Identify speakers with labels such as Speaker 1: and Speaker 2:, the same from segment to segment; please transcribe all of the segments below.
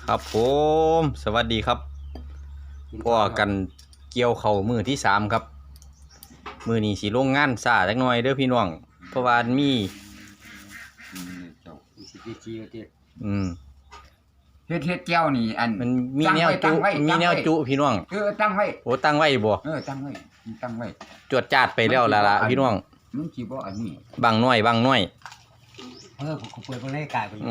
Speaker 1: ครับผมสวัสดีครับพ่อกันเกี่ยวเข่ามือที่สามครับมือนี้สีโรงงานซาจักหน่อยเด้อพี่น้องเพราะว่ามี
Speaker 2: เฮ็ดแก้วนี่อัน
Speaker 1: มันมีแนวจุพี่น้อง
Speaker 2: ตั้งไว้
Speaker 1: โอ้ตั้งไว้บ่
Speaker 2: ตั้งไว้
Speaker 1: จวดจาดไปแล้วล่ะพี่น้อง
Speaker 2: มันสิบ่อันนี้
Speaker 1: บางน้อย
Speaker 2: ผมเปิดรายการไป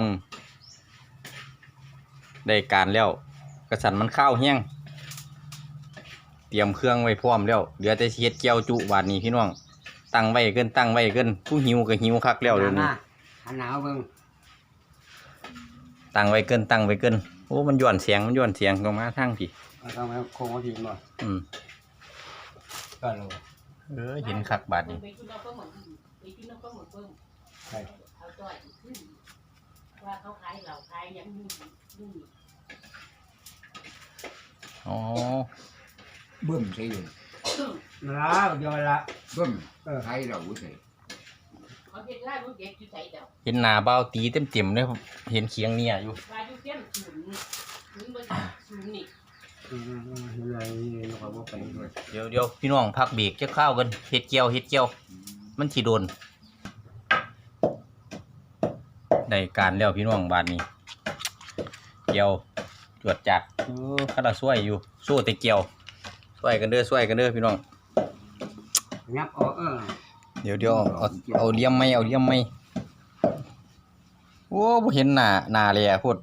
Speaker 1: ได้การแล้วกระสันมันข้าวแห้งเตรียมเครื่องไว้พร้อมแล้วเหลือแต่เฮ็ดแก้วจุบาดนี้พี่น้องตั้งไว้เกินผู้หิวก็หิวคักแล้วเดี๋ยวนี้
Speaker 2: หนาวเบิ่ง
Speaker 1: ตั้งไว้เกินโอ้มันย้อนเสียงลงมาทางพี่
Speaker 2: ต้องมาโค้งมาทิ้งบ่ก็รู้
Speaker 1: เห็นคักบาดนี้
Speaker 3: ว่าเขาขายเหล่าขายยังมี
Speaker 1: อ๋อ
Speaker 2: เบิ่มใช่อยู่แล้วเดี๋ยวละเบิ่มขายเราใช่
Speaker 3: เขาเห็นไล่ลูกเด็กอยู่ใส่เดียว
Speaker 1: เห็นหน้าเบาตีเต็มเลยเห็นเคียงเนี่ยอยู่
Speaker 3: ว่าอยู่เต็มศูนย์บนศูนย์นี่
Speaker 1: เดี๋ยวพี่น้องพักเบรกจะข้าวกันเฮ็ดเจียวมันสิโดนได้การแล้วพี่น้องบาดนี้เจียวจวดจัดข้าราช่วยอยู่สู้แต่เจียวช่วยกันเด้อพี่น้อง
Speaker 2: งับ
Speaker 1: เดี๋ยวเอาเลี่ยมไม่โอ้บ่เห็นหน้าเลยพูด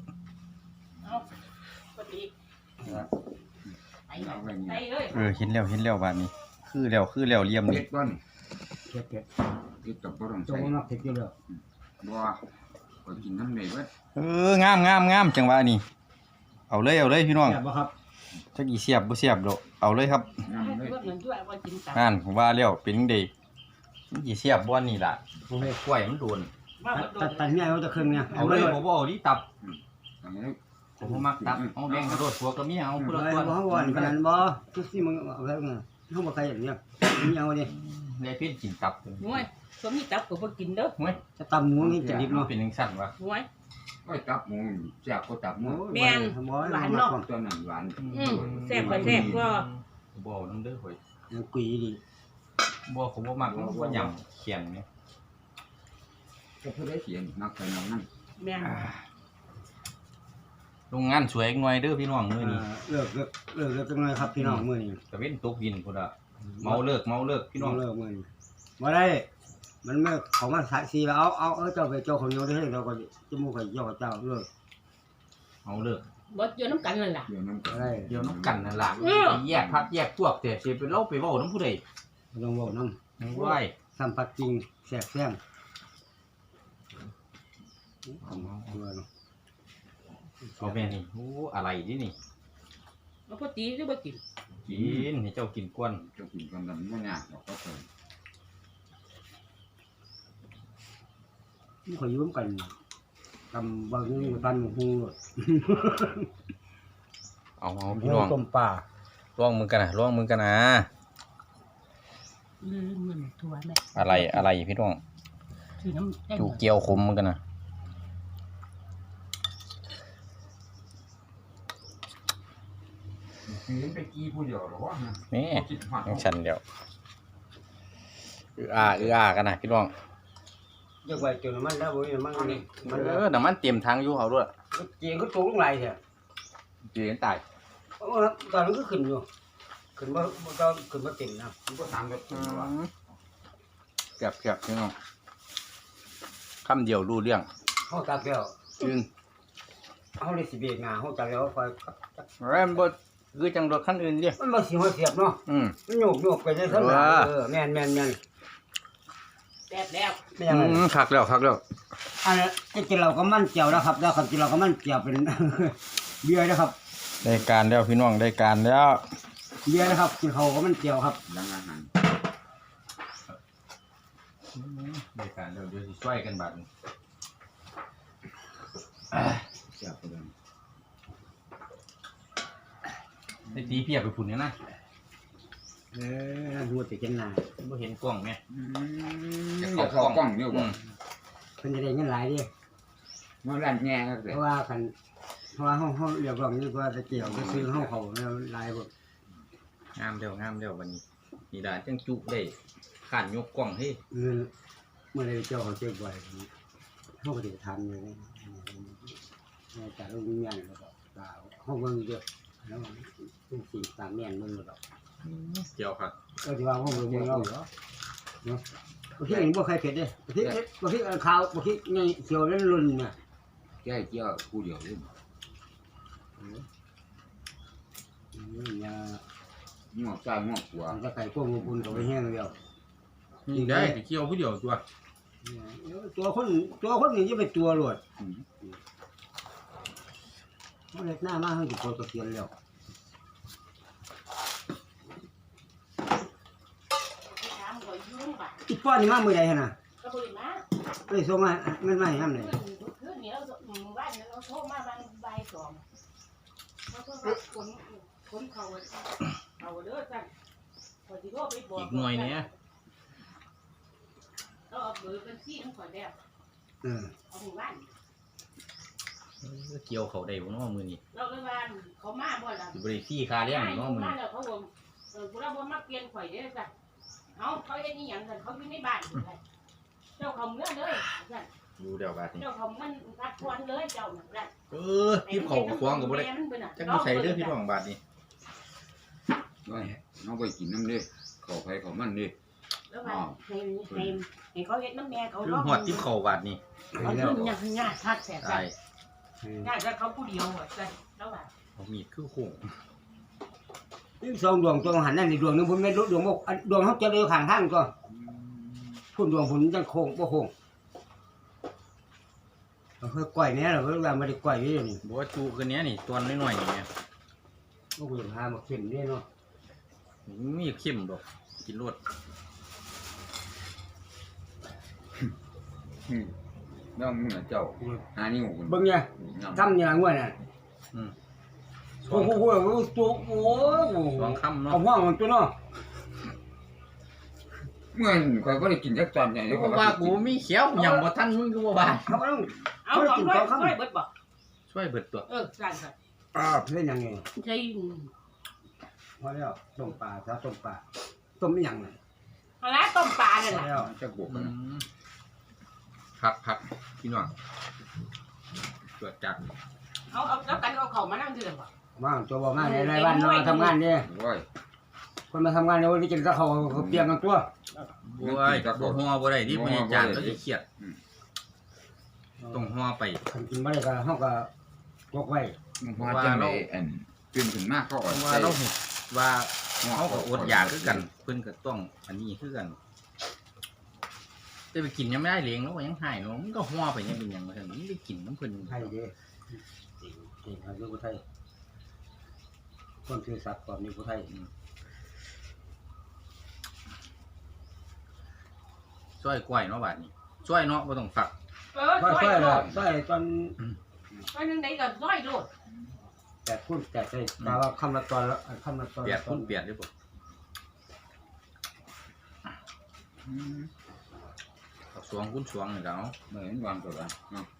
Speaker 1: เห็นแล้วบาดนี้คือแล้วเลี่ยมนี่
Speaker 2: เผ็ดกับบ่ต้องใส่เผ็ดอยู่แล้วบ่ก็กินน้ำเลยเว้ย
Speaker 1: งามจังหวะนี้เอาเลยพี่น้อง
Speaker 2: บ่ครับ
Speaker 1: จักอีเสียบบ่เสียบดอกเอาเลยครับนั่นผมว่าแล้วเป็นจังได๋มันสิเสียบบ่นี่ล่ะกล้วยมันโดน
Speaker 2: ตัดเนี่ยเอาจะครึ่งเนี่ย
Speaker 1: เอาเลยบ่เอาดิตับผมมักตับเอาแบ่งกระโดดผัวกับเมียเอาพุ่นละ
Speaker 2: คนบ่ว่าขนาดบ่ทุกสิ่งมึงเอาแล้วไงเฮาบ่ใครอย่างเนี้ยมีเอาดิ
Speaker 1: ได้เพิ่นกินตับ
Speaker 3: โอ้ยก็มีตับก็บ่กินเด้อ
Speaker 1: โอ้ย
Speaker 2: จะตำหมูนี่จะดิบเนาะ
Speaker 1: เป็นจังซั่นวะ
Speaker 3: โอ้ย
Speaker 2: ตับหมูแซ่บก็ตับหมู
Speaker 3: แม่นหวานเนาะ
Speaker 2: ตัวนั้นหวาน
Speaker 3: แซ่บก็
Speaker 1: บ่นำเด้อข่อย
Speaker 2: กุยดิ
Speaker 1: บ่ผมบ่มักบ่ยำเขียนนี่
Speaker 2: ก็ผู้ใดเขียนมักไปนำนั่น
Speaker 3: แม่น
Speaker 1: โรงงานสวยหน่อยเด้อพี่น้องมื้อนี้
Speaker 2: เลิกจังเลยครับพี่น้องมื้อนี้
Speaker 1: ตะเว้นตกดินพุ่นน่ะเมาเลิกพี่น้อง
Speaker 2: เลิกมื้อนี้บ่ได้มันไม่เขามา4แล้วเอาเจ้าไปเจ้าของโยนได้เราก็จมูกก็ย่อเจ้าเลิก
Speaker 1: เอาเลิก
Speaker 3: บ่อยู่นำกันนั่นล่ะ
Speaker 2: เดี๋ยวน้ำ
Speaker 1: กันนั่นล่ะแยกพักแยกพวกแต่สิไปเล่าไปเว้านำผู้ใด
Speaker 2: ต้องเว้านำ
Speaker 1: ว้าย
Speaker 2: สัมผัสจริงแซ่บแซ่บ
Speaker 1: เอาแม่นี่โอ้อะไรดินี่
Speaker 3: เอาพอตีหรือบ่กิน
Speaker 1: ให้เจ้ากินก้วน
Speaker 2: เจ้ากินกันบ่ยากดอกก็เพิ่นขอยืมกันทำบางอย่างบ้านหมู
Speaker 1: เอาพี่น้อง
Speaker 2: ต้มปลา
Speaker 1: ลองมึงกันนะ
Speaker 3: มันถั่วแม่
Speaker 1: อะไรพี่น้องจูเกียวขมมึงกันนะ
Speaker 2: ไปกี้ผู้เดียวหรอวะ
Speaker 1: นี่ยังฉันเดียวกันนะพี่น้อง
Speaker 2: เยอะไปจนมันแล้วบ่มัน
Speaker 1: น้ำมันเตรียมทางอยู่เขาด้วย
Speaker 2: เจียงก็ตกลงไหลแท้
Speaker 1: เจียงตาย
Speaker 2: ตอนนั้นก็ขึ้นอยู่ขึ้นบ่เต็มนะมันก็3กับ
Speaker 1: เกือบพี่น้องคำเดียวรู้เรื่อง
Speaker 2: เฮาตักแล้วเฮาเลยสิเบรกหน้าเฮาตักแล้วค่อย
Speaker 1: แม่นบ่คือจังรถคันอื่นดิ
Speaker 2: มันบ่สิเสียบเนาะมันโยกไปได้ซั่นแม่น
Speaker 3: แซ่บแล้ว
Speaker 1: คักแล้ว
Speaker 2: อันนี้กินเราก็มั่นเจียวนะครับแล้วครับกินเราก็มั่นเจียวเป็นเบียร์นะครับ
Speaker 1: ได้การแล้วพี่น้องได้การแล้ว
Speaker 2: เบียร์นะครับกินเขาก็มั่นเจียวครับดังอาหาร
Speaker 1: ได้การเดี๋ยวสิช่วยกันบัด
Speaker 2: เจียวไปเลย
Speaker 1: ได้ตีเพียบไปฝุ่นเนี่ยนะ
Speaker 2: หัวติดกันหนา
Speaker 1: บ่เห็นกล้องแม่
Speaker 2: จะเข้ากล้องเยอะกว่าเพิ่นจะได้เงินหลายดิมันร้านแง่ก็เพราะว่าคันราะว่าห้องเรียกร้องนี่ว่าจะเกี่ยวจะซื้อห้องเขาเนี่ยลายหมด
Speaker 1: งามเดียววันนี้นี่ด่าจังจุได้ขานยกกล้องให้
Speaker 2: เงินเมื่อไรเจ้าเขาเจ็บไว้ห้องปฏิทันเลยนะจากโรงงานแล้วก็ห้องเมืองเยอะแล้วทุกสิ่งต่างแน่นเมืองแล้ว
Speaker 1: เกี่ยวครับ
Speaker 2: ก็จะว่าห้องเมืองเราเนาะบางทีเองบ่ใครเผ็ดเด้บางทีข้าวบางทีไงเขียวเล่นรุ่นเนี่ย
Speaker 4: แก้เกี่ยวผู้เดียวเลย งอกซ้ายงอกขวา
Speaker 2: จะไก่พวกงูบุญเขาไปแห้งเดียว
Speaker 1: นี่ได้เกี่ยวผู้เดียวตัว
Speaker 2: ตัวคนนี่จะเป็นตัวหลวดมันเล็กหน้ามากให้ทุกคนก็เขียนแล้ว
Speaker 3: ถามก่อนยุ่งบ่ะ
Speaker 2: อีป้อนนี่มามือใดฮะน่ะ
Speaker 3: ก็บ่ได้มา
Speaker 2: ไปส่งมาเงินมาให้ทำเลย
Speaker 3: คืนนี้เราบ้านเราโทรมาบางใบสองเราโทรมาคนเขาเด้อจังพอสิโทรไปบอก
Speaker 1: อีกหน่วยเนี่ย
Speaker 3: เราเอาเบอร์บัญชีของข่อยแล้ว เอาหมู่บ้าน
Speaker 1: เกี่ยวเขาได้บ่เนาะมื้อนี้
Speaker 3: เราเลยว่าเขามาบ่ล่ะ
Speaker 1: สิบ่ได้ฟรีค่าเลี้ยงเนาะมื้อ
Speaker 3: มา
Speaker 1: นี้
Speaker 3: แล้วเขาบอกกูเราบ่มาเปลี่ยนข่อยเด้อจ้ะเอาเขาเฮ็ดอีหยังกันเขาอยู่ในบ้านเจ้าเขาเมื่อเลยจ้ะ
Speaker 1: ดูเดี๋ยวบาดนี้
Speaker 3: เจ้าเขามันพักผ่อนเลยเจ้านั่นแหละ
Speaker 1: ทิพเขาควงก็บ่ได้จักอยู่ใส่เด้อพี่น้องบาดนี้
Speaker 4: ด้วยน้องไปกินน้ำเด้เขาไปเขามันเด้
Speaker 3: แล้วว่าให้เขาเฮ็ดน้ำแม่เขา
Speaker 1: คือหอดทิพเขาบาดนี้
Speaker 3: เขาขึ้นยากทักแสบ
Speaker 1: ได้
Speaker 3: ยากจะเขาผู้เดียวอ่ะจ้ะแล้วว่า
Speaker 1: เอามีดคือโค้ง
Speaker 2: นี่สองดวงตัวหันนั่นนี่ดวงนึงพุ่นไม่รู้ดวงดวงเขาจะเร็วข้างทางก็พุ่นดวงพุ่นจังโค้งบ่โค้งเราเคยก่อยเนี้ยเราเวลาไม่ได้ก่อยนี่นี่
Speaker 1: บ่ว่าจูคือเนี้ยนี่ตัวน้อยๆนี่แม่
Speaker 2: ก็คุยหามาขึ้นนี่เนาะ
Speaker 1: มีเข้มดอกกินรวด
Speaker 4: น้องมึงเจ้าหานิ้วคุณ
Speaker 2: เบิ่งเนี่ยทำอย่างว่าน่ะ
Speaker 1: ส
Speaker 2: โอ้
Speaker 1: อง
Speaker 2: โหตัวโอ้
Speaker 1: สองคำเนาะ
Speaker 2: เอาห้องมันตัวเนาะ
Speaker 4: เมื่อคอยก็ได้กินจักตอนใหญ่เลย
Speaker 1: เพราะว่ากูมีเขียวหยังบ่ทันมึงก็บ่บาด
Speaker 2: เขาต้อง
Speaker 3: เอาของด้วยเบิดบอก
Speaker 1: ช่วยเบิดตัว
Speaker 3: สั่นค่ะ
Speaker 2: เล่นยังไง
Speaker 3: ใช่
Speaker 2: พอแล้วต้มปลาถ้าต้มปลาต้มไม่ยังเลย
Speaker 3: เอาละต้มปลาเนี่ย
Speaker 2: พอ
Speaker 3: แหละ
Speaker 2: แล้ว
Speaker 4: จักบวกกัน
Speaker 1: พักพี่น้องตรวจจัก
Speaker 3: เอาแล้วกันเอาเขามานั่งดื่มบ่
Speaker 2: ว่างตัวบอกมาในบ้านเราทำงานเนี่ย
Speaker 4: โอ้ย
Speaker 2: คนมาทำงานเนี่ยวันนี้กินก็เขาเปลี่ยนกันตัว
Speaker 1: โอ้ยบ่ฮ้อบ่ได้ที่มันจานก็สิเครียดต้องฮ้อไป
Speaker 2: กินไม่ได้ก็เขาก็ยกไว้
Speaker 4: มันพอจังได๋อันตื่นขึ้นมาเขา
Speaker 1: เพ
Speaker 4: อ่อน
Speaker 1: ราะว่าเราเห็นว่าเขาก็อดอยากคือกันเพิ่นก็ต้องอันนี้คือกันจะไปกินยังไม่ได้เลี้ยงแล้วก็ยังหายเนาะมันก็ฮ้อไปยังเป็นหยังบ่ทันมันได้กินน้ำเพิ่น
Speaker 2: ไทยเด้เก่งครับลูกไทยคนคือสัตว์ก่อนนี่ผู้ไทย
Speaker 1: ช่วยกล้วยเนาะบาดนี้ช่วยเนาะบ่ต้องฝัก
Speaker 2: ช่วยช่วยละช่วยตอน
Speaker 3: ก็นึงไหนก็น้อยโลด
Speaker 2: แต่พูดแต่ใช่แต่ว่าคำละตอนละคำละตอน
Speaker 1: เปียกพุ่นเปียกได้บ่เอาสวงคุณสวงนี่แล้ว
Speaker 4: เหมือนวางตัวกันเนาะ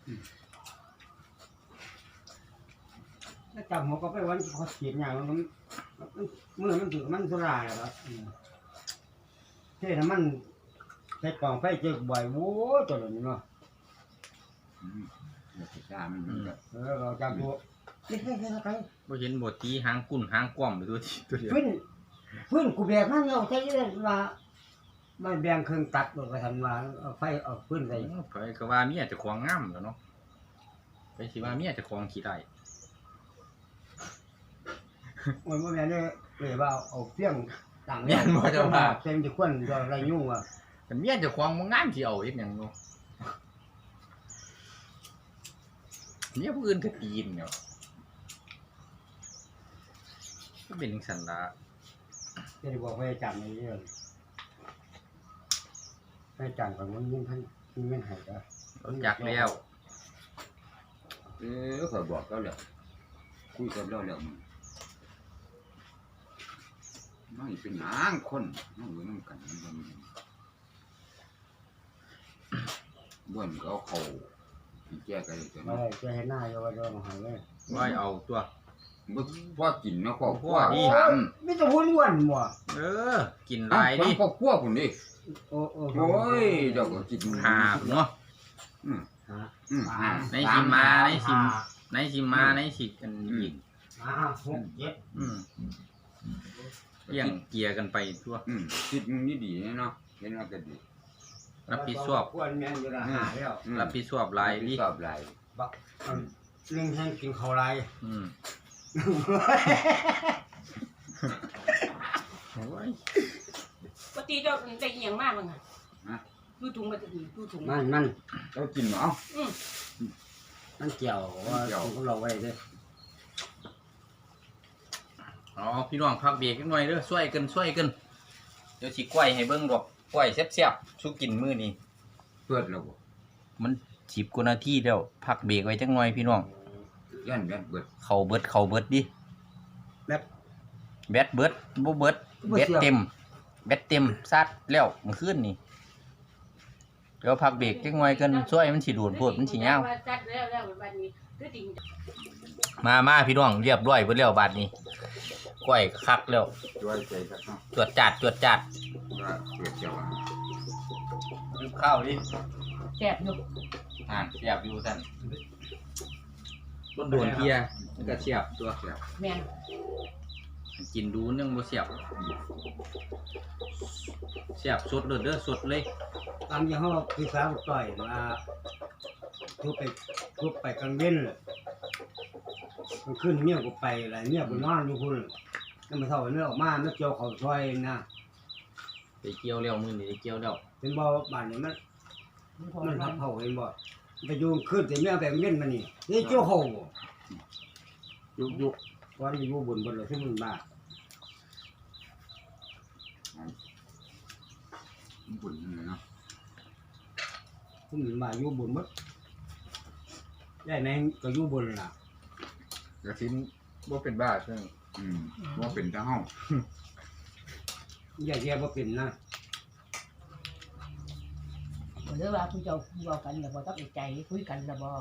Speaker 2: ถ้าจับหัวก็ไปวันเขาเขียนอย่างนั้นเมื่อมันถือมันสุราแล้วครับเท่น้ำมันใช้กล่องไฟเจอบ่อยโว้ตัวนี้เนาะ
Speaker 4: เดี๋ยวสิซ่ามันก็
Speaker 2: เราจับตัวนี่ใคร
Speaker 1: บ่เห็นบ่ตีหางกุ้นหางก้อมไปตัวที่ตัวเดียว
Speaker 2: พื้นกูแบกมันเราใช้ได้มามันแบ่งเครื่องตัดไปทำมาเอาไฟเอาพื้นใส่
Speaker 1: ไปก็ว่าเมียเจะของงามแล้วเนาะไปสิว่าเมียเจะของขี้ได้
Speaker 2: มันไม่แม่เนี่ยเลยว่าเอาเพี้ยงต่าง
Speaker 1: เมียนบ่เจะว่า
Speaker 2: เต็มจะควนอะไรยุ่งอ่ะ
Speaker 1: กันเมียเจะของบ่งามสิเอาเฮ็ดหยังเนาะเมียผู้อื่นก็ตีนเนาะก็เป็นจังซั่นล่ะ
Speaker 2: จะได้บอกให้จำในเรื่องให้จำก่อนมันยิ่งท่านยิ่งไม่หายก็
Speaker 1: รู้จักแล้ว
Speaker 4: คอยบอกแล้วแหละคุยกันแล้วแล้วน้อยเป็นหยังคนน้องอยู่นำกันมันบ่นก็เอาเข้าแก้กันเลยจ้ะ
Speaker 2: ไม่จะให้หน้าโยว่าโดนหายเลย
Speaker 1: ร้อยเอาตัว
Speaker 4: บ่พอกินเนาะครอบครัว
Speaker 1: พอดี
Speaker 4: ถาม
Speaker 2: ไม่ต้องวุ่นวนบ่
Speaker 1: เออ กินหลายดิ
Speaker 4: ครอบครัวพุ่นดิ
Speaker 2: โอ้
Speaker 4: โอ้ยเจ้าก็กิน
Speaker 1: หาเนาะ
Speaker 4: อืม
Speaker 2: หา
Speaker 4: อืมหา
Speaker 1: ในชิมมาในชิมในชิมมาในชิมกันอีก
Speaker 2: 6 7
Speaker 1: อืมเลี้ยงเกียร์กันไปทั่ว
Speaker 4: คิดนี่ดีเนาะเห็นว่าก็ดี
Speaker 1: รับผิดชอบ
Speaker 2: ควรแม่นอยู่ละหาแล้ว
Speaker 1: รับผิดชอบหลายดิ
Speaker 4: ชอบหลาย
Speaker 2: บักนึงให้กินข้าวไร
Speaker 1: อืมโอ้ย
Speaker 3: ปกติเจ้าได้เอียงมากมั้งอ่ะดูถุงมาถึงดูถุง
Speaker 2: มัน
Speaker 4: เจ้ากินเนาะ
Speaker 2: มันเกี่ยวว่าของเราไว้เด้อ
Speaker 1: อ๋อพี่น้องพักเบรกกันหน่อยเด้อช่วยกันเดี๋ยวสิกล้วยให้เบิ่งดอกกล้วยแซ่บๆสู้กินมื้อนี้
Speaker 4: เปิดแล้วบ่
Speaker 1: มัน10กว่านาทีแล้วพักเบรกไว้จักหน่อยพี่น้อง
Speaker 4: ย่านเบิด
Speaker 1: เข้าเบิดดิ
Speaker 2: แบบ
Speaker 1: แบตเบิดบ่เบิดแบตเต็มซัดแล้วเมื่อคืนนี่เดี๋ยวพักเบรกจักหน่อยกันช่วยมันสิโดนโพดมันสิยาว
Speaker 3: จัดแล้ววันนี้คือจริง
Speaker 1: มาพี่น้องเรียบร้อยเบิดแล้วบัดนี้กล้วยคักแล้ว
Speaker 4: ด้วยใจซะเนาะ
Speaker 1: จวดจัด
Speaker 4: ว่าเปิดเจ้า
Speaker 1: รีบข้าวดิ
Speaker 3: แซ่บอยู่
Speaker 1: เสียบอยู่ท่านต้นโดนเพียมันก็เสียบตัว
Speaker 3: แม่น
Speaker 1: กินดูนึงบ่เสียบสดเด้อสดเลย
Speaker 2: ตามที่เขาคือสาวต่อยมาทุบไปกลางเว้นเลยมันขึ้นเมียกูไปอะไรเมียกูนอนอยู่พุ่นนั่นมาเท่าเนื้อออกมาเนื้อเกี่ยวเขาซอยนะ
Speaker 1: ไปเกี่ยวแล้วมื้อนี้ได้เกี่ยวแล้ว
Speaker 2: เป็นบ่บ้านนี้มันทับเผาเห็นบ่ไปอยู่ขึ้นแต่เมียแบบเว้นมานี่นี่เกี่ยวเขายุกวันอยู่บนเลยที่มันบ้า
Speaker 4: บุญเนาะ
Speaker 2: ที่มันบ้าอยู่บนมั้งได้ไหนก็อยู่บนล่ะ
Speaker 4: กระทิ้นบ่เป็นบ้าซึ่งบ่เป็นตาเฮา
Speaker 2: อย่าเทียบว่าเป็นนะ
Speaker 3: หรือว่าคุณเจ้าบอกกันแล้วบ่ต้องใจคุยกันแล้วบ่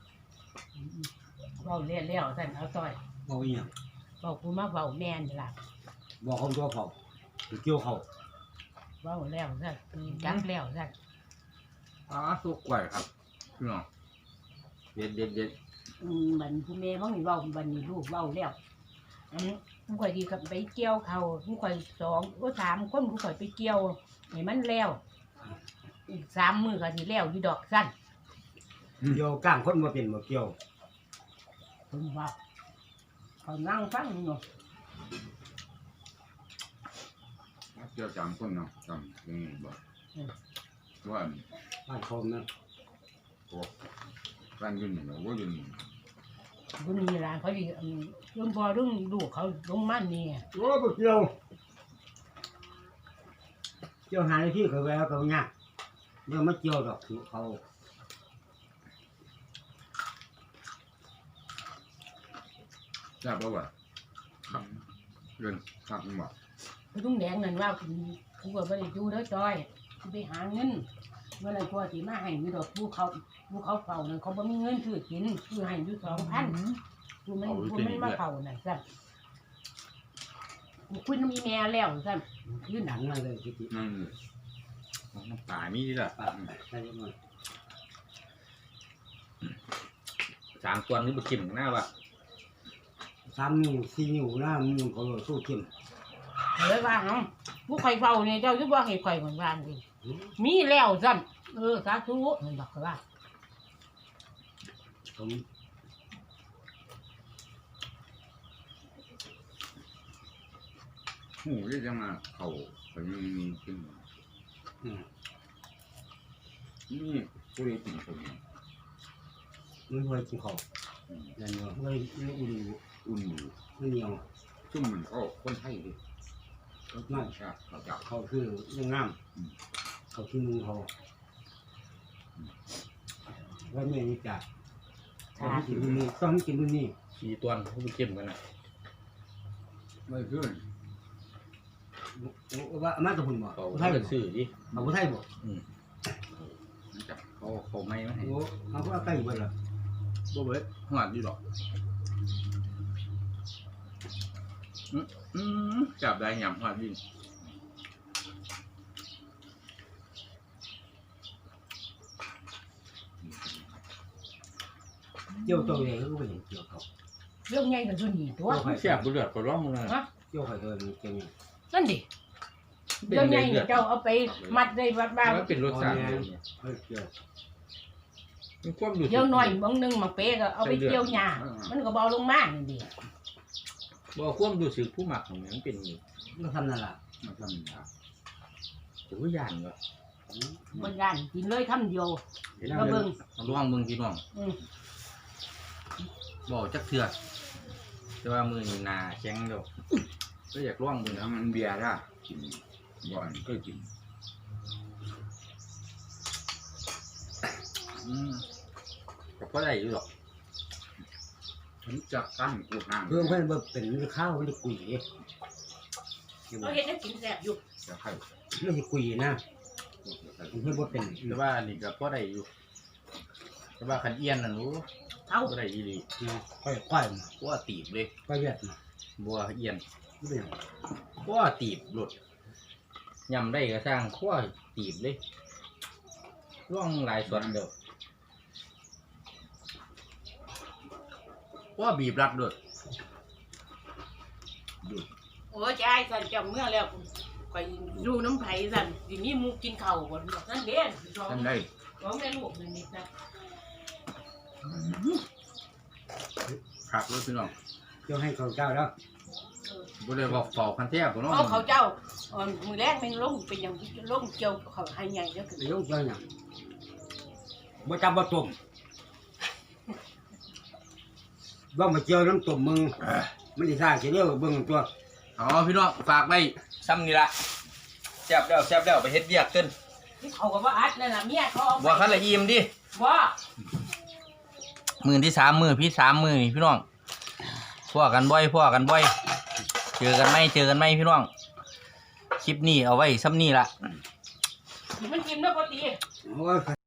Speaker 3: เว้าเลี้ยวท่านเอาต้อย
Speaker 2: บอกอีหยัง
Speaker 3: บอกกูมาเว้าแม่นล่ะ
Speaker 2: บอกเขาตัวเขาเกี่ยวเขา
Speaker 3: เว้าแล้วท่านจักแล้วท่าน
Speaker 1: สุกกล้วยครับพี่น้องเด็ด
Speaker 3: บันผู้แม่มันเว้าบันนี้ลูกเว้าแล้วกูค่อยดีกับไปเกี่ยวเขากูค่อย2ก็3คนกูค่อยไปเกี่ยวให้มันแล้วอีก3มื้อก็สิแล้วอยู่ดอกซั่น
Speaker 2: เกี่ยวก้างคนมาเป็นมาเกี่ยว
Speaker 3: เพิ่นว่าเขานั่งฟังอยู่
Speaker 4: เจ้าจำคนเนาะจำยังบ่ว่า
Speaker 2: บ้านเขานะ
Speaker 4: การยืนเนาะว่ายืน
Speaker 3: บ่มีร้านเขาสิเรื่องบ่เรื่องลูกเขาลงมันนี่
Speaker 2: โอ้บ่เกี่ยวเกี่ยวหาในที่เขาแววเขาเนี่ยเดี๋ยวมาเกี่ยวดอกเขา
Speaker 4: ทราบว่าเรื่องคักบ่
Speaker 3: กูต้องแดงนั่นว่ากูก็บ่ได้อยู่เด้อจอยกูไปหาเงินเมื่อไรพ่อสิมาให้มีดอกผู้เขาเฝ้านั่นเขาบ่มีเงินซื้อกินซื้อให้อยู่2,000กูมันมาเฝ้านั่นซั่นกูคุยน้ำอีแม่แล้วซั่นยืน
Speaker 2: หนังมาเลยที
Speaker 4: นั่น
Speaker 1: น้ำปลามีดิล่ะ
Speaker 2: ปะใช่ไหม
Speaker 1: 3ตัวนี้บ่กินหน้าว่ะ
Speaker 2: 3 นิ้ว 4 นิ้วนะมือเขาสู้เข้ม
Speaker 3: เลยว่าเฮาผู้ใครเฝ้าเนี่ยเจ้าสิบ่ให้ข่อยเหมือนว่านี่มีแล้วซั่นสาธุมันบอกว่า
Speaker 2: ผม
Speaker 4: หูที่จะมาเขาเขายังมีขึ้นนี่ผู้ใดกินผม
Speaker 2: ไม่เคยกินข้าวนั่นเนาะไม่อุ่น
Speaker 4: อุ่นอยู่
Speaker 2: ไม่เหนียว
Speaker 4: ซึ่งมันก็คนไทยดิ
Speaker 2: นั่น
Speaker 4: เขาจับ
Speaker 2: เขาคือยังงามเขาที่มือเขาว่าแม่นี่จ้ะต้องกินนู่นนี่ต้องกินนู่นนี่
Speaker 1: 4ตัวเขาบ่กินกันน่ะ
Speaker 4: ไม่ขึ้น
Speaker 2: ว่ามาตะหุ่นบ่
Speaker 1: เขา
Speaker 2: ไทย
Speaker 1: เป็
Speaker 2: บ่
Speaker 1: นชื่อดิ
Speaker 2: เอาไทยบ่
Speaker 4: จับ
Speaker 1: เขาไม่มาให้
Speaker 2: โอ้เขาก็ใกล้เบิดละ
Speaker 1: บ่เบิดหอดอยู่ดอกจับได้ยำพอดี
Speaker 2: เกี่ยวตัวเองก็ไปเห็นเกี่ยวเขา
Speaker 3: เรื่องใหญ่กับส่วนนี้ตัว
Speaker 1: เสียบเลือดก็ร้องเลย
Speaker 3: ฮะ
Speaker 2: เกี่ยวเขาตัวมันเกี่ยวเนี่ย
Speaker 3: นั่นดิเรื่องใหญ่เจ้าเอาไปมัดได้วัดบ้าง
Speaker 1: มันเป็นรสชาติ
Speaker 2: เฮ้ยเกี่ยว
Speaker 1: มันควบดู
Speaker 3: เกี่ยวหน่อยบางนึงมาเป๊ะก็เอาไปเกี่ยวหญ้ามันก็เบาลงมากนี่ดิ
Speaker 1: บ่ควบดูสึกผู้หมักของมันเป็น
Speaker 2: มันทำนั่นแหละ
Speaker 4: มันทำนะ
Speaker 1: ถือว่าย่านก็
Speaker 3: มันย่านกินเลยคำเดียวก็เบิ่ง
Speaker 1: ร้องมึงพี่น้อง
Speaker 3: อืม
Speaker 1: บ่จักเถื่อแต่ว่ามือนี่นาแข็งเดียวก็อยากร้องมึง
Speaker 4: แล้วมันเบียร์ละกินบ่อนก็กิน
Speaker 1: ก็พอได้อยู่หรอก
Speaker 4: ผมจะตั้งกูห้าง
Speaker 2: เพื่อนเพื่อนเป็นข้าวมันจะกุย
Speaker 3: เราเห็นได้กินแซ่บอยู่
Speaker 4: จะไข่
Speaker 2: ไม่ใช่กุยนะเพื่อนบ่เป็น
Speaker 1: แต่ว่านี่ก็พอได้อยู่แต่ว่าคันเอียนน่ะรู้
Speaker 3: เอา
Speaker 1: พอได้อีหลี
Speaker 2: ค่อยมา
Speaker 1: บ่ตีบเลย
Speaker 2: ค่อยเวียดมา
Speaker 1: บ่เอียน
Speaker 2: ไม่เป็น
Speaker 1: บ่ตีบหลุดยำได้ก็สร้างขั้วตีบเลยร่องหลายส่วนเดียวขั้วบีบรัดด้วย
Speaker 3: โอ้ยายสั่นจำเมื่อแล้วไปดูน้ำไผ่สั่นทีนี้มูกินเข่าวก่อนนั่นเด่นสอง
Speaker 4: ทำได้
Speaker 3: สองแม่ลูกนิดนะ
Speaker 1: ผักเลยพี่น้อง
Speaker 2: เกี่ยวให้เขาเจ้าแล้ว
Speaker 1: บ่ได้บอกเฝ้าคันแท้บ่เนาะ
Speaker 3: เอาเขาเจ้ามือแรกแม่งลงเป็นอย่างลงเกี่ยวเขาให้ใหญ่แล้วคือ
Speaker 2: เดี๋ยวเจ้าอย่างบ่จับบ่ตุ่มว่ามาเจียวน้ำตุ่มมึงมันสิซ่าสิเดียวเบิ่งตัว
Speaker 1: อ๋อพี่น้องฝากไว้ซ้ำนี่ละแซ่บแล้วไปเฮ็ดเวียกขึ้น
Speaker 3: ที่เขาก็ว่าอัดนั่นน่ะเมียเขาเอา
Speaker 1: บ่คันละอิ่มดิ
Speaker 3: ว่า
Speaker 1: มื้อที่3มื้อพี่3มื้อนี่พี่น้องพ่อกันบ่อยเจอกันไหมพี่น้องคลิปนี้เอาไว้ซ้ำนี่ละ
Speaker 3: มันกินแล้วพอดี
Speaker 2: โอ้ย